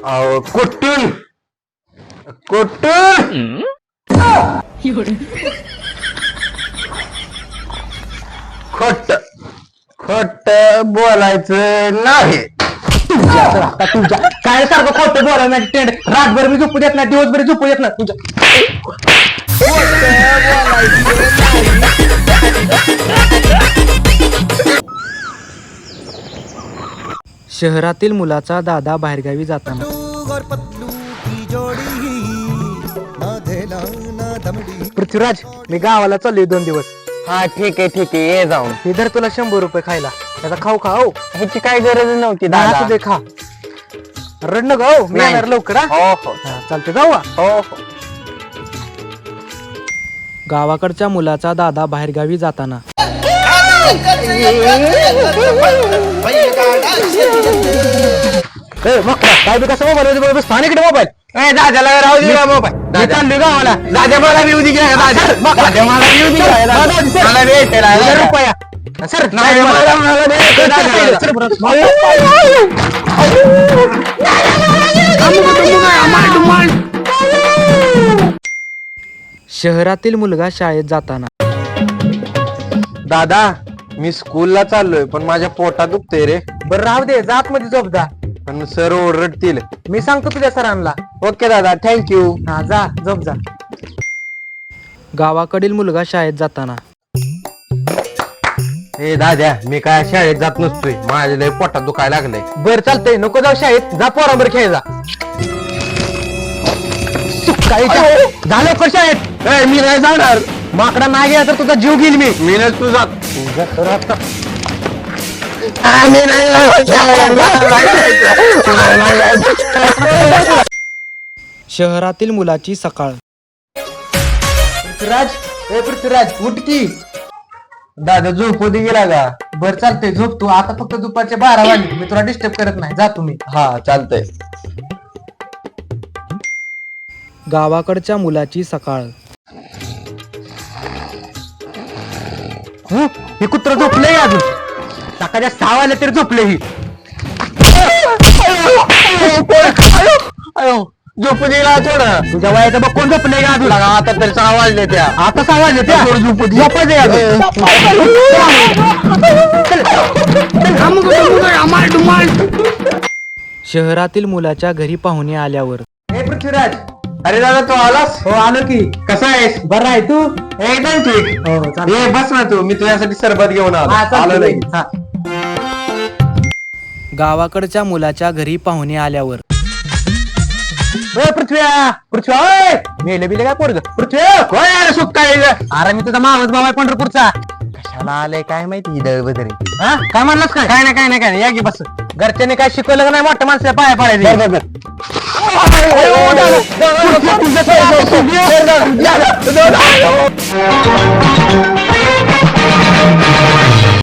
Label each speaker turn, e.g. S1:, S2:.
S1: अहो कुठून कुठून खोट खोट बोलायचं नाही.
S2: तुझ्या काय सारखं खोटं बोला नाही टेंड रातभर मी झोपू देत नाही दिवसभर झोपू देत नाही तुझ्या
S3: शहरातील मुलाचा दादा बाहेरगावी जाताना.
S2: पृथ्वीराज मी गावाला चाललोय 2 दिवस.
S1: हा ठीक आहे ये जाऊन.
S2: इधर तुला 100 रुपये खायला त्याचा खाऊ खाऊ
S1: ह्याची काय गरज नव्हती दादा.
S2: दे खा रड न गाव मी
S1: नाही.
S2: येणार लवकर.
S1: हो हो
S2: चालते जाऊ
S1: हो हो.
S3: गावाकडच्या मुलाचा दादा बाहेरगावी जाताना.
S2: काय बी कसं मोबाईल स्थानिकडे मोबाईल
S1: दादाला राहू दे मोबाईल.
S2: चाललोय गावाला.
S1: दादा मला येऊ दे दादा मला येऊ दे मला द्यायचं
S2: रुपया सर
S1: नाही मला द्यायचं दादा.
S3: शहरातील मुलगा शाळेत जाताना.
S1: दादा मी स्कूलला चाललोय पण माझ्या पोटात दुखतंय रे.
S2: बरं राहू दे जात मध्ये झोप जा.
S1: पण सर ओरडतील.
S2: मी सांगतो तुझ्या सरांना.
S1: ओके दादा थँक्यू.
S2: हा जा झोप जा.
S3: गावाकडील मुलगा शाळेत जाताना.
S1: हे दाद्या मी काय शाळेत जात नसतोय माझ्या लय पोटात दुखायला लागलंय.
S2: बर चालतंय नको जाऊ शाळेत जा पोरांबर खेळ जा. जा लवकर शाळेत.
S1: मी नाही जाणार.
S2: माकडा नाही गेला तर तुझा जीव घेईल मी.
S1: मी नाही तुझा
S3: शहरातील मुलाची सकाळ.
S2: पृथ्वीराज उठ की.
S1: दादा झोपू दे गेला का.
S2: बर चालतंय झोप तू आता फक्त दुपारचे 12 वाजले मी तुला डिस्टर्ब करत नाही जा तुम्ही.
S1: हा चालतंय.
S3: गावाकडच्या मुलाची सकाळ.
S2: हे कुत्र झोपलंय अजून सकाळच्या 6 वाजले तरी झोपले ही.
S1: झोपू दे गेला थोडं.
S2: तुझ्या वयाचं बघ कोण झोपलंय का अजून.
S1: आता तरी 6 वाजले त्या.
S2: आता 6 वाजले त्या
S1: झोपू दे.
S2: झोपा दे अजून.
S3: शहरातील मुलाच्या घरी पाहुणे आल्यावर.
S2: हे पृथ्वीराज.
S1: अरे दादा तू आलास.
S2: हो आलो की.
S1: कसा आहेस.
S2: बरं आहे तू.
S1: एकदम ठीक.
S2: हो चालेल.
S1: ये बस ना तू मी तुझ्यासाठी सरबत घेऊन
S2: हा,
S1: आलो
S2: चालतंय.
S1: नाही.
S2: हा.
S3: गावाकडच्या मुलाच्या घरी पाहुणे आल्यावर.
S2: पृथ्व्या मेले बिले काय पोरग पृथ्वी
S1: कोण आहे रे सुक्का इथं?
S2: अरे मी तुझा मावस भाऊ आहे पंढरपूरचा.
S1: कशाला आलंय काय माहिती दळबदरी.
S2: हा काय म्हणलास काय.
S1: काय नाही या की बस.
S2: घरच्यांनी काय शिकवलं का नाही मोठ्या माणसाला पाया पडायचे.
S1: बरोबर